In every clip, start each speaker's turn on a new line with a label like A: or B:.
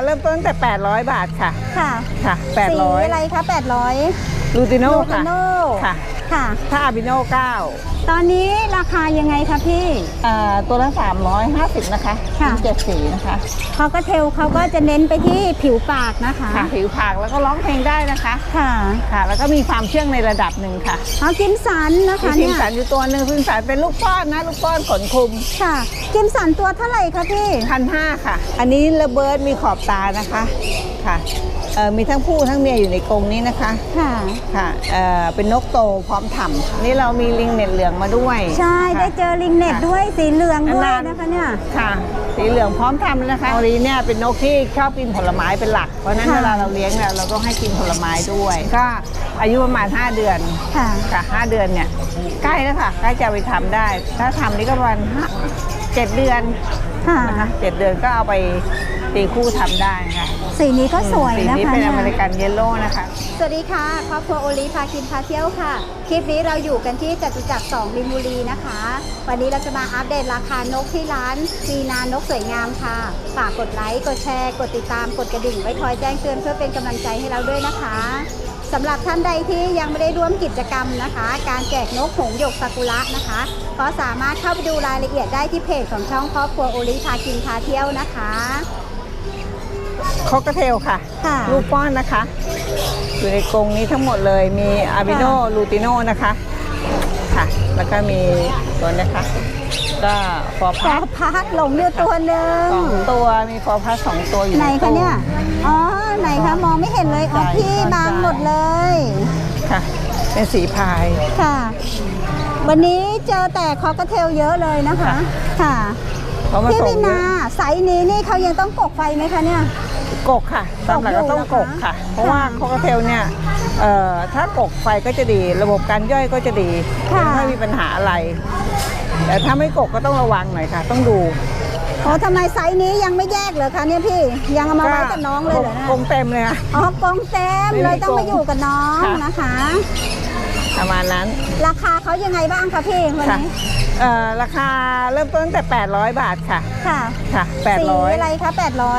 A: เริ่มต้นตั้งแต่800 บาทค่ะ
B: ค่ะ
A: ค่ะ
B: สีอะไรคะ800
A: ลูติโน่
B: ค่ะค่ะ
A: ถ้าอาบิโน่9
B: ตอนนี้ราคายังไงคะพี่
A: ตัวละ350นะคะ
B: ค่ะ
A: 7สีนะคะ
B: เขาก็เทลเขาก็จะเน้นไปที่ผิวปากนะคะ
A: ค่ะผิวปากแล้วก็ร้องเพลงได้นะคะ
B: ค่ะ
A: ค่ะแล้วก็มีความเชื่องในระดับหนึ่งค่ะ
B: กิมสันนะคะ
A: กิมสันอยู่ตัวหนึ่งกิมสันเป็นลูกป้อนนะลูกป้อนขนคลุม
B: ค่ะกิมสันตัวเท่าไหร่คะพี่
A: 1,500ค่ะอันนี้ระเบิดมีขอบตานะคะค่ะมีทั้งผู้ทั้งเมียอยู่ในกรงนี้นะคะ
B: ค่ะ
A: ค่ะเป็นนกโตพร้อมถ่ำนี่เรามีลิงเน็ตเหลืองมาด้วย
B: ใช่ได้เจอลิงเน็ตด้วยสีเหลืองด้วยนะคะเนี่ย
A: ค่ะสีเหลืองพร้อมทำนะคะอรีเนี่ยเป็นนกที่ชอบกินผลไม้เป็นหลักเพราะนั้นเวลาเราเลี้ยงเนี่ยเราต้องให้กินผลไม้ด้วยก็อายุประมาณ5 เดือนค่ะ5 เดือนเนี่ยใกล้แล้วค่ะใกล้จะไปทำได้ถ้าทำนี่ก็ประมาณ7 เดือนนะคะ7 เดือนก็เอาไปตีคู่ทำได้ค่ะ
B: สีนี้ก็สวยนะคะ
A: สีนี้เป็นอเมริกันเยลโล่นะคะ
B: สวัสดีค่ะครอบครัวโอลีพากินพาเที่ยวค่ะคลิปนี้เราอยู่กันที่จตุจักร2มินบุรีนะคะวันนี้เราจะมาอัปเดตราคานกที่ร้านมีนานกสวยงามค่ะฝากกดไลค์กดแชร์กดติดตามกดกระดิ่งไว้คอยแจ้งเตือนเพื่อเป็นกำลังใจให้เราด้วยนะคะสำหรับท่านใดที่ยังไม่ได้ร่วมกิจกรรมนะคะการแจกนกหงส์หยกซากุระนะคะก็สามารถเข้าไปดูรายละเอียดได้ที่เพจของช่องครอบครัวโอลีพากินพาเที่ยวนะคะ
A: คอกเทลค่ะลูกป้อนนะคะอยู่ในกรงนี้ทั้งหมดเลยมีอาบิโนลูติโนนะคะค่ะแล้วก็มีตัวนี้ค่ะก็ฟอร์
B: พัสหลงอยู่ตัวหนึ่ง
A: 2 ตัวมีฟอร์พัส2 ตัวอยู่
B: ไหนคะเนี่ยอ๋อไหนคะมองไม่เห็นเลยอ๋อพี่บางหมดเลย
A: ค่ะเป็นสีพาย
B: ค่ะวันนี้เจอแต่คอกเทลเยอะเลยนะคะค่ะพี่วินาไซส์นี้นี่เขายังต้องกกไฟไหมคะเนี่ย
A: กกค่ะตามหลักก็ต้องกกค่ะเพราะว่าคอกเทลเนี่ยถ้ากกไฟก็จะดีระบบการย่อยก็จะดีไม่มีปัญหาอะไรแต่ถ้าไม่กกก็ต้องระวังหน่อยค่ะต้องดู
B: ทำไมไซส์นี้ยังไม่แยกเหรอคะเนี่ยพี่ยังเอามาไว้กับน้องเลยเหรอก
A: รงเต็มเลยค่ะ
B: กรงเต็มเลยต้องมาอยู่กับน้องนะคะ
A: ประมาณนั้น
B: ราคาเขายังไงบ้างคะพี่วันนี้
A: ราคาเริ่มต้นตั้งแต่800 บาทค่ะค่ะ800
B: สีอะไรคะ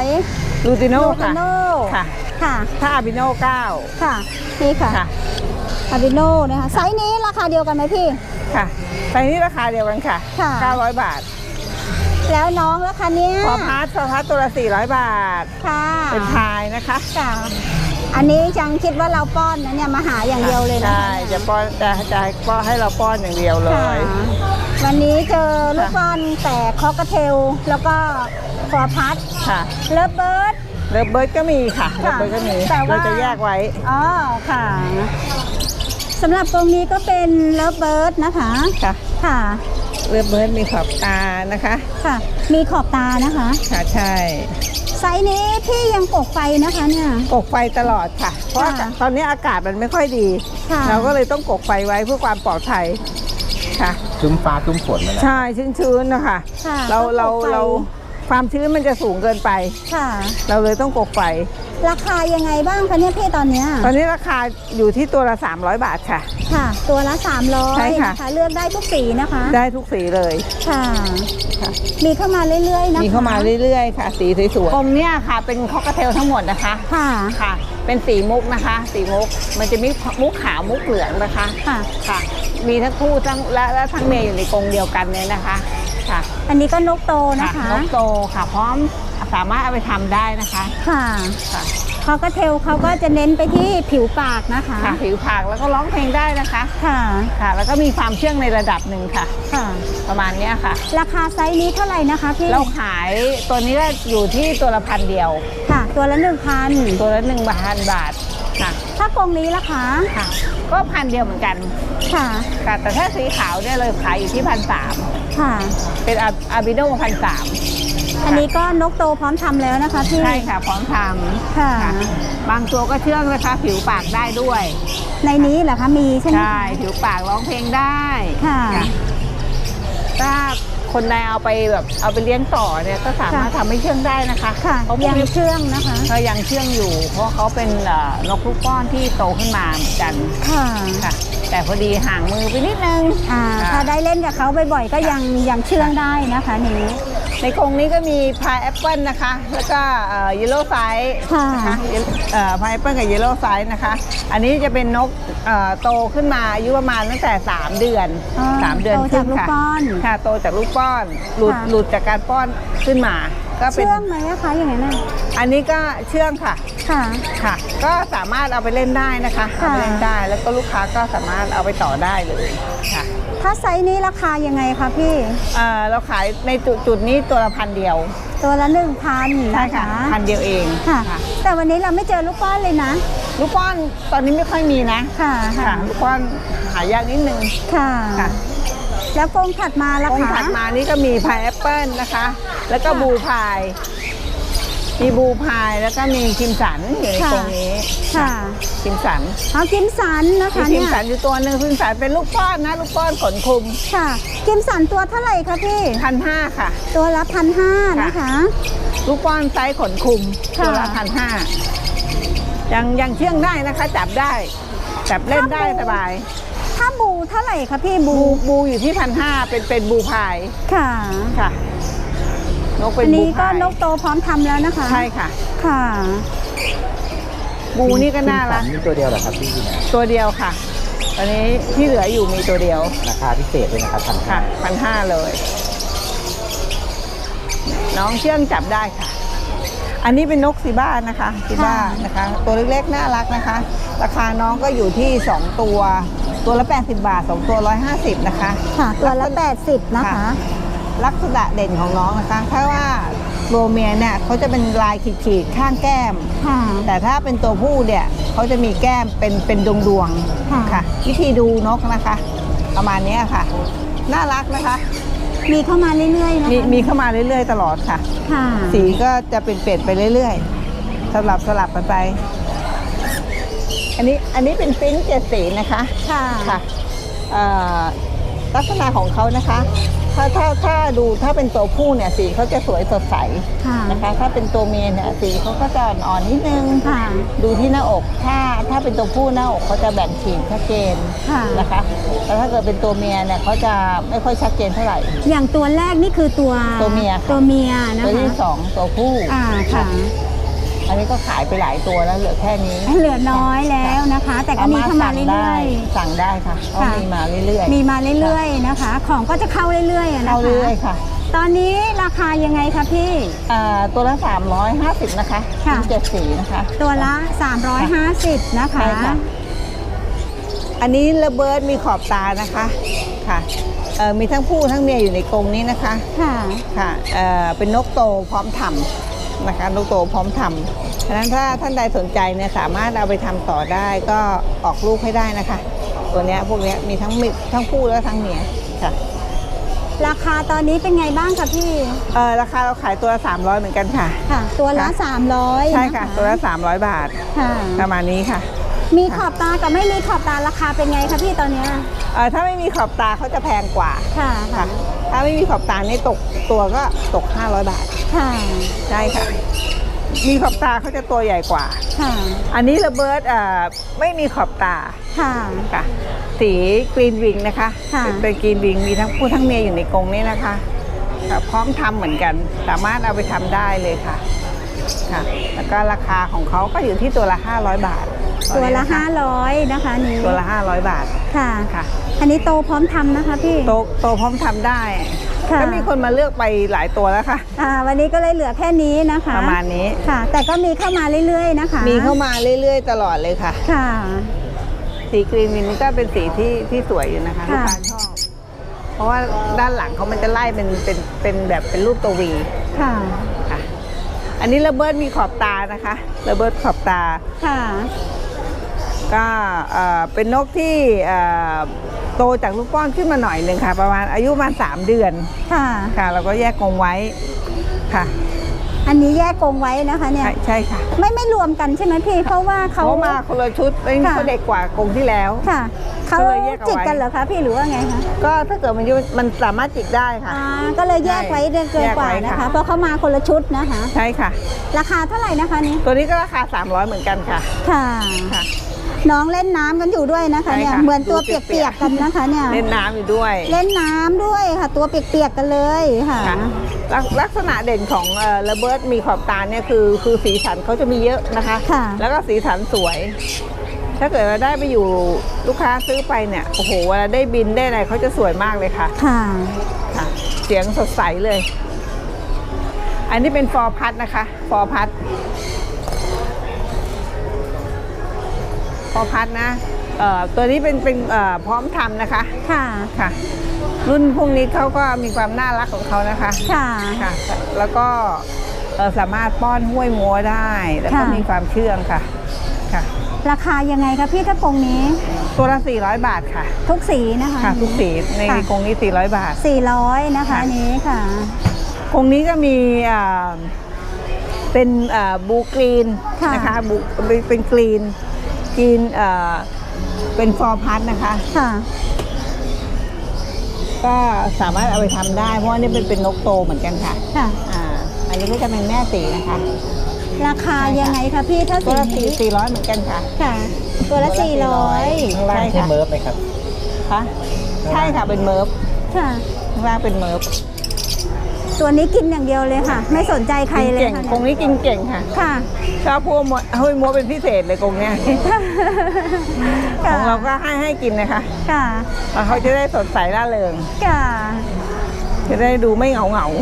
B: 800
A: ลูติโน่
B: ค่ะค่ะ
A: ถ้าอาบิโน่9
B: ค่ะนี่ค่ะอาบิโน่นะคะไซส์นี้ราคาเดียวกันไหมพี่
A: ค่ะไซส์นี้ราคาเดียวกันค่ะ900 บาท
B: แล้วน้องราคาเนี้ย
A: ฟอร์พัสตัวละ400 บาท
B: ค่ะ
A: เป็นพายนะคะ
B: ค่ะอันนี้จังคิดว่าเราป้อนนะเนี่ยมาหาอย่างเดียวเลยนะ
A: ใช่จะป้อนให้เราป้อนอย่างเดียวเลย
B: วันนี้เจอลูกป้อนแต่คอกเทลแล้วก็ฟอร์พัส
A: ค่ะ
B: เลิฟเบิร์ด
A: ก็มีค่ะเลิฟเบิร์ดก็มีเราจะแยกไว้
B: อ๋อค่ะสำหรับตรงนี้ก็เป็นเลิฟเบิร์ดนะคะค่ะ
A: เลิฟเบิร์ดมีขอบตานะคะ
B: ค่ะมีขอบตานะคะ
A: ค่ะใช่
B: ไซส์นี้พี่ยังกกไฟนะคะเนี่ย
A: กกไฟตลอดค่ะเพราะตอนนี้อากาศมันไม่ค่อยดีเราก็เลยต้องกกไฟไว้เพื่อความปลอดภัยค่ะ
C: ชุ่มฟ้าชุ่มฝนนั่นแหละ
A: ใช่ชื้นๆนะคะเราความชื้นมันจะสูงเกินไป
B: ค่ะ
A: เราเลยต้องกกไฟ
B: ราคายังไงบ้างคะเนี่ยพี่ตอนนี้
A: ราคาอยู่ที่ตัวละ300 บาทค่ะ
B: ค่ะตัวละ300
A: ใช่ค่ะ
B: เลือกได้ทุกสีนะคะ
A: ได้ทุกสีเลย
B: ค่ะมีเข้ามาเรื่อยๆนะคะ
A: มีเข้ามาเรื่อยๆค่ะสีสวยๆกรงเนี่ยค่ะเป็นคอกเทลทั้งหมดนะคะค่ะเป็นสีมุกนะคะสีมุกมันจะมีมุกขาวมุกเหลืองนะคะค่ะมีทั้งคู่และทั้งเมียอยู่ในกรงเดียวกันเลยนะคะค่ะ
B: อันนี้ก็นกโตนะคะ
A: นกโตค่ะพร้อมสามารถเอาไปทำได้นะคะ
B: ค่ะเขาก็เทลเขาก็จะเน้นไปที่ผิวปากนะคะ
A: ผิวปากแล้วก็ร้องเพลงได้นะคะค่ะแล้วก็มีความเชื่องในระดับหนึ่งค่ะประมาณนี้ค่ะ
B: ราคาไซส์นี้เท่าไหร่นะคะพี่
A: เราขายตัวนี้ก็อยู่ที่ตัวละ1,000เดียว
B: ค่ะตัวละ1,000
A: ตัวละ1,000 บาทค่ะ
B: ถ้ากรงนี้ล่ะคะ
A: ค่ะก็1,000เดียวเหมือนกัน
B: ค่ะ
A: แต่ถ้าสีขาวเนี่ยเลยขายอยู่ที่1,300
B: ค่ะ
A: เป็นอาบิโน่1,300
B: อันนี้ก็นกโตพร้อมทำแล้วนะคะพี่
A: ใช่ค่ะพร้อมทำค่ะบางตัวก็เชื่องนะคะผิวปากได้ด้วย
B: ในนี้เหรอคะมีใช่ไหม
A: ใช่ผิวปากร้องเพลงได้
B: ค่ะ
A: ถ้าคนใดเอาไปเลี้ยงต่อเนี่ยก็สามารถทำให้เชื่องได้นะคะ
B: เขายังเชื่องนะคะ
A: เขายังเชื่องอยู่เพราะเขาเป็นนกลูกป้อนที่โตขึ้นมาเหมือนกัน
B: ค่ะ
A: แต่พอดีห่างมือไปนิดนึง
B: ถ้าได้เล่นกับเขาบ่อยๆก็ยังเชื่องได้นะคะนี้
A: ในกรงนี้ก็มีพายแอปเปิลนะคะ แล้วก็เยลโล่ไซส์นะคะพายแอปเปิลกับเยลโล่ไซส์นะคะ อันนี้จะเป็นนกโตขึ้นมาอายุประมาณตั้งแต่3 เดือน3 เดือนขึ้นค่ะค่ะโตจากลูกป้อนหลุดจากการป้อนขึ้นมาก็เป็น
B: เชื่องไหมคะอย่างนั้นน่ะ
A: อันนี้ก็เชื่องค่ะค่ะก็สามารถเอาไปเล่นได้นะคะเอาไปเล่นได้แล้วก็ลูกค้าก็สามารถเอาไปต่อได้เลยค่ะ
B: ถ้าไซส์นี้ราคายังไงคะพี่
A: เราขายในจุดนี้ตัวละ1,000 เดียว
B: ตัวละ 1,000
A: ใช่ค่ะ1,000 เดียวเอง
B: ค่ะแต่วันนี้เราไม่เจอลูกป้อนเลยนะ
A: ลูกป้อนตอนนี้ไม่ค่อยมีนะค่ะลูกป้อนหายากนิดนึง
B: ค่ะแล้วกรงถัดมาล่ะคะ
A: กรงถัดมานี่ก็มีพายแอปเปิลนะคะแล้วก็บูพายมีบูพายแล้วก็มีคิมสันอยู่ในกรงนี้ค่ะคิมสัน
B: คิมสันนะคะ
A: คิมสันอยู่ตัวหนึ่งคิมสันเป็นลูกป้อนนะลูกป้อนขนคลุม
B: ค่ะคิมสันตัวเท่าไหร่คะพี่
A: 1,500ค่ะ
B: ตัวละ1,500นะคะ
A: ลูกป้อนไซส์ขนคลุมตัวละ1,500ยังเชื่องได้นะคะจับได้จับเล่นได้สบาย
B: ถ้าบูเท่าไหร่คะพี่
A: บูอยู่ที่1,500เป็นบูพายค่ะนกเป็น
B: บูพายอันนี้ก็นกโตพร้อมทำแล้วนะคะ
A: ใช่ค่ะ
B: ค่ะ
A: บูนี่ก็น่ารัก
C: มีตัวเดียวเหรอครับพี่
A: ตัวเดียวค่ะตอนนี้ที่เหลืออยู่มีตัวเดียว
C: ราคาพิเศษเลยนะครับ
A: 1,500เลยน้องเชื่องจับได้ค่ะอันนี้เป็นนกซีบ้านะคะซีบ้านะคะตัวเล็กๆน่ารักนะคะราคาน้องก็อยู่ที่2ตัวละ80 บาท2ตัว150นะคะ
B: ค่ะตัวละ80นะคะ
A: ลักษณะเด่นของน้องนะคะถ้าว่าตัวเมียเนี่ยเขาจะเป็นลายขีดๆข้างแก้มแต่ถ้าเป็นตัวผู้เนี่ยเขาจะมีแก้มเป็นดวงๆค่ะวิธีดูนกนะคะประมาณนี้ค่ะน่ารักนะคะ
B: มีเข้ามาเรื่อยๆนะคะ
A: มีเข้ามาเรื่อยๆตลอดค่ะสีก็จะเปลี่ยนไปเรื่อยๆสลับกันไปอันนี้เป็นฟินช์7 สีนะคะค่ะลักษณะของเขานะคะถ้าดูถ้าเป็นตัวผู้เนี่ยสีเขาจะสวยสดใสนะคะถ้าเป็นตัวเมียเนี่ยสีเขาก็จะอ่อนนิดนึงดูที่หน้าอกถ้าเป็นตัวผู้หน้าอกเขาจะแบ่งขีดชัดเจนนะคะแต่ถ้าเกิดเป็นตัวเมียเนี่ยเขาจะไม่ค่อยชัดเจนเท่าไหร่
B: อย่างตัวแรกนี่คือตัว
A: เมีย
B: นะคะ
A: ตัวที่2ตัวผู้
B: ค่ะ
A: อันนี้ก็ขายไปหลายตัวแล้วเหลือแค่นี้
B: เหลือน้อยแล้วนะคะแต่ก็มีเข้ามาเรื่อย
A: ๆสั่งได้ค่ะมีมาเรื่อย
B: ๆนะคะของก็จะเข้าเรื่อยๆนะคะ
A: เข้าเรื่อยค่ะ
B: ตอนนี้ราคายังไงคะพี่
A: ตัวละ350นะคะ7 สีนะคะ
B: ตัวละ350นะคะ
A: อันนี้ระเบิดมีขอบตานะคะค่ะมีทั้งผู้ทั้งเมียอยู่ในกรงนี้นะคะค่ะเป็นนกโตพร้อมทำนะคะนกโตพร้อมทำฉะนั้นถ้าท่านใดสนใจเนี่ยสามารถเอาไปทำต่อได้ก็ออกลูกให้ได้นะคะตัวนี้พวกนี้มีทั้งผู้และทั้งเมียค่ะ
B: ราคาตอนนี้เป็นไงบ้างคะพี่
A: ราคาเราขายตัวละ300เหมือนกันค่ะ
B: ตัวละ300
A: ใช่ค่ะตัวละ300 บาทประมาณนี้ค่ะ
B: มีขอบตากับไม่มีขอบตาราคาเป็นไงคะพี่ตอนนี้
A: ถ้าไม่มีขอบตาเขาจะแพงกว่า
B: ค่ะ
A: ถ้าไม่มีขอบตานี่ตกตัวก็ตก500 บาทใช่ค่ะมีขอบตาเขาจะตัวใหญ่กว่าอันนี้ระเบิดไม่มีขอบตาค่ะสีกรีนวิงนะคะเป็นกรีนวิงมีทั้งผู้ทั้งเมียอยู่ในกรงนี้นะคะพร้อมทำเหมือนกันสามารถเอาไปทำได้เลยค่ะแล้วก็ราคาของเขาก็อยู่ที่ตัวละ500 บาท
B: ตัวละ500นะคะนี้
A: ตัวละ500 บาท
B: ค่ะอันนี้โตพร้อมทำนะคะพี่
A: โตพร้อมทำได้ก็มีคนมาเลือกไปหลายตัวแล้วค่ะ
B: วันนี้ก็เลยเหลือแค่นี้นะคะ
A: ประมาณนี้
B: ค่ะแต่ก็มีเข้ามาเรื่อยๆนะคะ
A: มีเข้ามาเรื่อยๆตลอดเลยค่ะสีกรีนวินก็เป็นสีที่สวยอยู่นะคะลูกค้าชอบเพราะว่าด้านหลังเขามันจะไล่เป็นแบบเป็นรูปตัววีค่ะอันนี้ระเบิดมีขอบตานะคะระเบิดขอบตาก็เป็นนกที่โตจากลูกป้อนขึ้นมาหน่อยหนึ่งค่ะประมาณอายุประมาณ3 เดือนค่ะเราก็แยกกรงไว้ค่ะ
B: อันนี้แยกกรงไว้นะคะเนี่ย
A: ใช่ค่ะ
B: ไม่รวมกันใช่ไหมพี่เพราะว่าเขา
A: มาคนละชุดเขาเด็กกว่ากรงที่แล้ว
B: ค่ะเขาจิกกันเหรอคะพี่หรือว่าไงคะ
A: ก็ถ้าเกิดมันสามารถจิกได้ค่ะ
B: ก็เลยแยกไว้เกินกว่านะคะเพราะเขามาคนละชุดนะคะ
A: ใช่ค่ะ
B: ราคาเท่าไหร่นะคะนี้
A: ตัวนี้ก็ราคา300เหมือนกันค่ะ
B: ค่ะน้องเล่นน้ำกันอยู่ด้วยนะคะเนี่ย
A: ใช่ค่ะ
B: เหมือนตัว
A: ดู
B: เปียกๆกันนะคะเนี่ย
A: เล่นน้ำอยู่ด้วย
B: เล่นน้ำด้วยค่ะ ตัวเปียกๆกันเลยค่ะ
A: ค่ะลักษณะเด่นของระเบิดมีขอบตาเนี่ยคือสีสันเขาจะมีเยอะนะคะ
B: ค่ะ
A: แล้วก็สีสันสวย ถ้าเกิดเราได้ไปอยู่ลูกค้าซื้อไปเนี่ยโอ้โหเวลาได้บินได้อะไรเขาจะสวยมากเลยค่ะ
B: ค่ะ
A: ค่ะ เสียงสดใสเลย อันนี้เป็นฟอร์พัดนะคะฟอร์พัดนะตัวนี้เป็นพร้อมทำนะคะ
B: ค่ะ
A: ค่ะ รุ่นพวกนี้เขาก็มีความน่ารักของเขานะคะ
B: ค่ะ
A: ค่ะ แล้วก็สามารถป้อนห้วยมัวได้ แล้วก็
B: ค่ะ
A: มีความเชื่องค่ะค่ะ
B: ราคายังไงคะพี่ถ้ากรงนี้
A: ตัวละ400 บาทค่ะ
B: ทุกสีนะคะ
A: ค่ะทุกสีใน
B: ค่ะ
A: กรงนี้400 บาท
B: 400นะคะ
A: ค่ะ
B: อันนี้ค่ะ
A: กรงนี้ก็มีเป็นบูกรีน
B: ค่ะ
A: นะคะบูเป็นกรีนเป็นฟอร์พัดนะคะ
B: ค่ะ
A: ก็สามารถเอาไปทำได้เพราะว่านี่เป็นนกโตเหมือนกันค่ะ
B: ค่ะ
A: อันนี้ก็จะเป็นแม่สีนะคะ
B: ราคายังไงคะพี่ถ้า
A: ตัวละ
B: นี้
A: 400เหมือนกันค่ะ
B: ค่ะ ตัวละ
C: ข้างล่าง
A: ใช่
C: ใช่
A: ค่ะ
C: เมิร์ฟไหมครับ
A: คะใช่ค่ะเป็นเมิร์ฟ
B: 400ค่ะ
A: ข้างล่างเป็นเมิร์ฟ
B: ตัวนี้กินอย่างเดียวเลยค่ะ ไม่สนใจใคร
A: กิน
B: เลย
A: เก่ง
B: ค่ะ
A: กรงนี้กินเก่งค่ะ
B: ค่ะ
A: ชอบพวกห้วยมัวเป็นพิเศษเลยกรงเนี้ยของเราก็ให้กินนะคะ
B: ค่ะ
A: แล้วเขาจะได้สดใสร่าเริง
B: ค่ะ
A: จะได้ดูไม่เหงา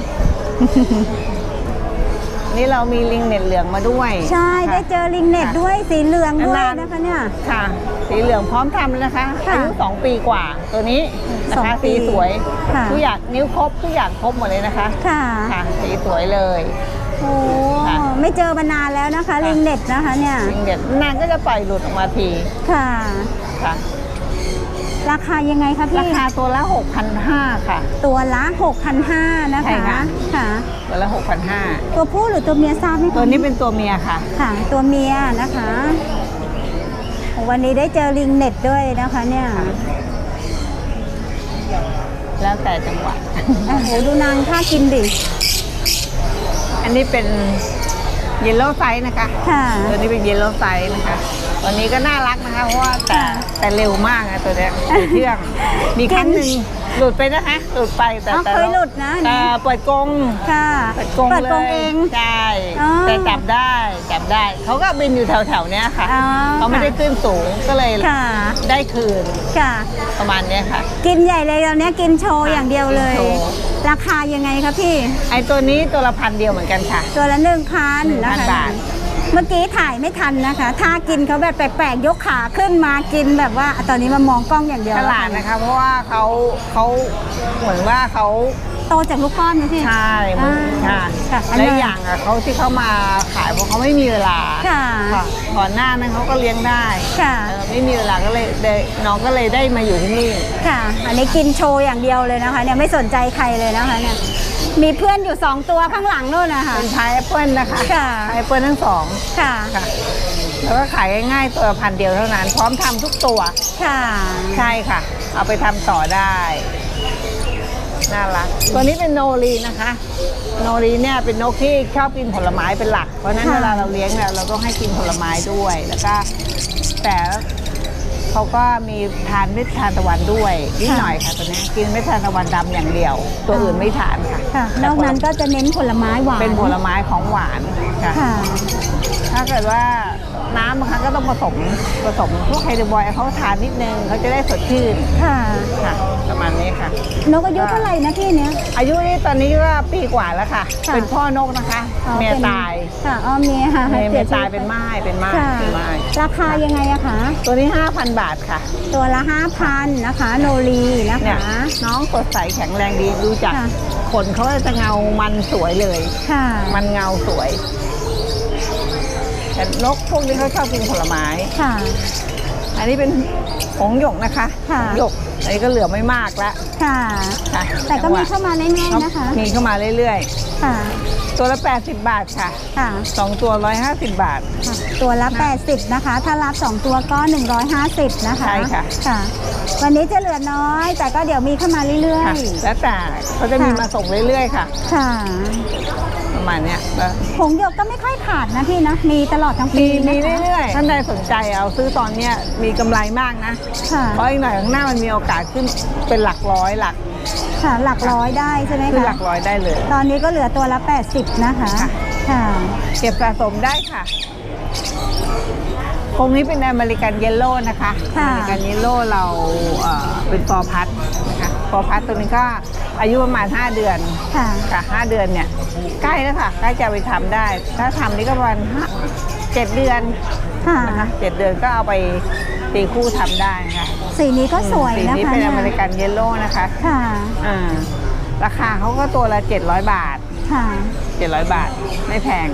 A: นี่เรามีลิงเน็ตเหลืองมาด้วย
B: ใช่ได้เจอลิงเน็ตด้วยสีเหลืองด้วย
A: นานๆ
B: นะคะเนี่ย
A: ค่ะ สีเหลืองพร้อมทำเลยนะคะ
B: ค่ะ
A: อายุ2 ปีกว่า ตัวนี้นะ
B: สอง
A: คะ
B: ปี
A: สีสวย
B: ค่ะ
A: ทุกอย่างนิ้วครบทุกอย่างครบหมดเลยนะคะ
B: ค่ะ
A: ค่ะสีสวยเลย
B: โอ้
A: ค่ะ
B: ไม่เจอมานานแล้วนะคะ ลิงเน็ตนะคะเนี่ย
A: ลิงเน็ตนางก็จะปล่อยหลุดออกมาที
B: ค่ะ
A: ค่ะ
B: ราคายังไงคะพี่
A: ราคาตัวละ 6,500 ค่ะ
B: ตัวละ6,500นะ
A: ใช่
B: คะ
A: ค่ะ
B: ค่ะ
A: ตัวละ 6,500
B: ตัวผู้หรือตัวเมียทราบไหมคะ
A: ตัวนี้เป็นตัวเมียค่ะ
B: ค่ะ ตัวเมียนะคะโอ้วันนี้ได้เจอลิงเน็ตด้วยนะคะเนี่ย
A: แล้วแต่จังหวะ
B: โอ้โหดูนางท่ากินดิ
A: อันนี้เป็นเยลโล่ไซส์นะคะ
B: ค่ะ
A: ตัวนี้เป็นเยลโล่ไซส์นะคะตัวนี้ก็น่ารักนะคะเพราะว่าแต่เร็วมากนะตัวเนี้ยสีเชื่อง มีครั้งหนึ่งหลุดไปนะคะหลุดไปแต่
B: เคยหลุดนะอัน
A: แต่
B: นี้
A: เปิดกรง
B: ค่ะ
A: เปิดกรง
B: เปิด
A: เล
B: กรง
A: ย
B: เอง
A: ใช่
B: อ๋อ
A: แต่จับได้เขาก็บินอยู่แถวๆเนี้ยค่ะ
B: อ๋อ
A: เขาไม่ได้ขึ้นสูงก็เลย
B: ค่ะ
A: ได้คืน
B: ค่ะ
A: ประมาณเนี้ยค่ะ
B: กินใหญ่เลยตอนนี้กินโชว์อย่างเดียวเลย
A: กินโชว์
B: ราคายังไงคะพี่
A: ไอตัวนี้ตัวละ1,000 เดียวเหมือนกันค่ะ
B: ตัวละ1,000นะคะ
A: 1,000 บาท
B: เมื่อกี้ถ่ายไม่ทันนะคะท่ากินเขาแบบแปลกๆยกขาขึ้นมากินแบบว่าตอนนี้มามองกล้องอย่างเดียว
A: ฉลาดนะคะ เพราะว่าเขาเหมือนว่าเขา
B: โตจากลูกป้อนนะพี่
A: ใช่มันค่ะ
B: ค่ะอัน
A: และ
B: นั้น
A: อย่างอะเขาที่เขามาขายเพราะเขาไม่มีเวลา
B: ค่ะ
A: ค่ะก่อนหน้านั้นเขาก็เลี้ยงได้
B: ค่ะ
A: ไม่มีเวลาก็เลยได้น้องก็เลยได้มาอยู่ที่นี่
B: ค่ะ อันนี้กินโชว์อย่างเดียวเลยนะคะเนี่ยไม่สนใจใครเลยนะคะเนี่ยมีเพื่อนอยู่2ตัวข้างหลังนู่นนะคะ
A: เป็นพายแอปเปิลนะคะ
B: ค่ะ
A: พายแอปเปิลทั้งสอง
B: ค่ะ
A: ค่ะ แล้วก็ขายง่ายๆตัวละ1,000 เดียวเท่านั้น พร้อมทำทุกตัว
B: ค่ะ
A: ใช่ค่ะ เอาไปทำต่อได้ น่ารัก ตัวนี้เป็นโนรีนะคะ โนรีเนี่ยเป็นนกที่ชอบกินผลไม้เป็นหลัก เพราะฉะนั้น
B: ค่ะ
A: เวลาเราเลี้ยงเนี่ยเราต้องให้กินผลไม้ด้วย แล้วก็แต่เขาก็มีทานเม็ดทานตะวันด้วยนิดหน่อยค่ะตัวนี้กินเม็ดทานตะวันดำอย่างเดียว ตัวอื่นไม่ทานค่ะ
B: ค่ะนอกนั้นก็จะเน้นผลไม้หวาน
A: เป็นผลไม้ของหวานค่ะ
B: ค่ะ
A: ถ้าเกิดว่าน้ำบางครั้งก็ต้องผสมพวกไฮเดรบอยเขาทานนิดนึงเขาจะได้สดชื่น
B: ค่ะ
A: ค่ะ ประมาณนี้ค่ะ
B: นกอายุเท่าไหร่นะพี่เนี้ย
A: อายุนี่ตอนนี้ก็ปีกว่าแล้วค่ะ
B: ค่ะ
A: เป็นพ่อนกนะคะ
B: อ๋อ
A: เมีย
B: ป็น
A: ตาย
B: ค่ะอ๋อเมียค่ะ
A: เมีย
B: สีชี
A: ตาย
B: วิต
A: เป็นม่ายเป็นม่าย
B: ค่ะ
A: เป็นม่าย
B: ราคายังไงอะคะ
A: ตัวนี้ 5,000 บาทค่ะ
B: ตัวละ 5,000นะคะ โนรีนะ
A: เนี่ย
B: คะ
A: น้องสดใสแข็งแรงดีดูจาก
B: ค่ะ
A: ขนเขาจะเงามันสวยเลย
B: ค่ะ
A: มันเงาสวย แต่นกพวกนี้เขาชอบกินผลไม้
B: ค่ะ
A: อันนี้เป็นหงส์หยกนะคะ
B: ค่ะ
A: หงส์หยกอันนี้ก็เหลือไม่มากแล้ว
B: ค่ะ
A: ค่ะ
B: แต่ก็มีเข้ามาเรื่อยๆนะคะ
A: มีเข้ามาเรื่อย
B: ค่ะ
A: ๆ ตัวละ80 บาทค่ะ
B: ค่ะ
A: 2 ตัว150 บาท
B: ค่ะ ตัวละ 80นะคะ ถ้ารับ 2 ตัวก็ 150นะคะ
A: ใช่ค่ะ
B: ค่ะ วันนี้จะเหลือน้อย แต่ก็เดี๋ยวมีเข้ามาเรื่อ
A: ค่ะ
B: ย
A: แล้วแต่เขาจะมี
B: ค่ะ
A: มาส่งเรื่อยๆค่ะ
B: ๆ ค่ะ
A: ปประมาณเนี้ยแล้ว
B: ผงหยกก็ไม่ค่อยขาดนะพี่นะมีตลอดทั้งปี
A: มี
B: นะคะ
A: เรื่อยๆท่านใดสนใจเอาซื้อตอนเนี้ยมีกำไรมากนะ
B: ค่ะ
A: เพราะอีกหน่อยข้างหน้ามันมีโอกาสขึ้นเป็นหลักร้อยหลัก
B: ค่ะหลักร้อยได้ใช่ไหม
A: ขึ้นห
B: คะ
A: ลักร้อยได้เลย
B: ตอนนี้ก็เหลือตัวละ80นะคะ
A: ค่ะ
B: ค่ะ
A: เก็บสะสมได้ค่ะคงนี้เป็นอเมริกันเยลโล่นะคะอเมริกันเยลโล่เราเป็นฟอร์พัทนะคะฟอร์พัทตัวนี้ก็อายุประมาณ5เดือน
B: ค่ะ
A: ค่ะ5เดือนเนี่ยใกล้แล้วค่ะใกล้จะไปทำได้ ถ้าทำนี่ก็ประมาณ7เดือน
B: ค่ะ
A: นะคะ7เดือนก็เอาไปตีคู่ทำได้นะคะ
B: สีนี้ก็สวย
A: สี
B: นะคะ
A: นี้เป็นอเมริกันเยลโล่นะคะ
B: ค่ะ
A: ราคาเขาก็ตัวละ700 บาท
B: ค่ะ
A: 700 บาทไม่แพง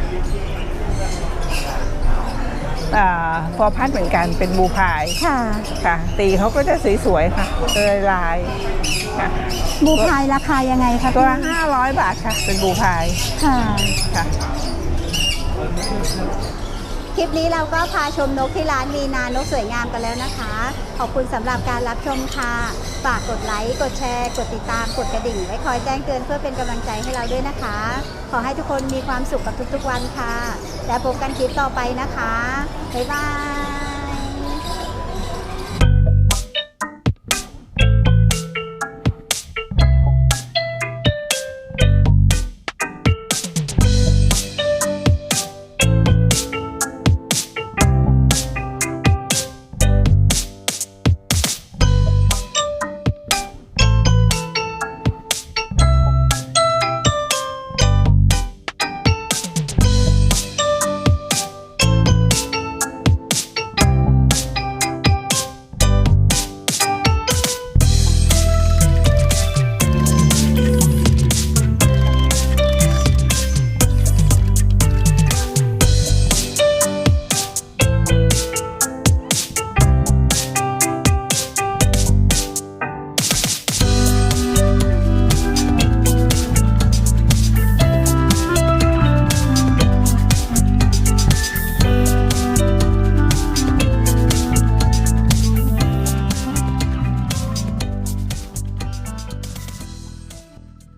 A: ฟอร์พัทเหมือนกันเป็นบูพาย
B: ค่ะ
A: ค่ะตีเขาก็จะสวยๆค่ะลายค่ะ
B: บูพายราคายังไงคะ
A: ตัวละ
B: พี่
A: 500 บาทค่ะเป็นบูพาย
B: ค่ะ
A: ค่ะ
B: คลิปนี้เราก็พาชมนกที่ร้านวีนานกสวยงามกันแล้วนะคะ ขอบคุณสำหรับการรับชมค่ะฝากกดไลค์กดแชร์กดติดตามกดกระดิ่งไว้คอยแจ้งเตือนเพื่อเป็นกำลังใจให้เราด้วยนะคะ ขอให้ทุกคนมีความสุขกับทุกๆวันค่ะ และพบกันคลิปต่อไปนะคะบ๊ายบาย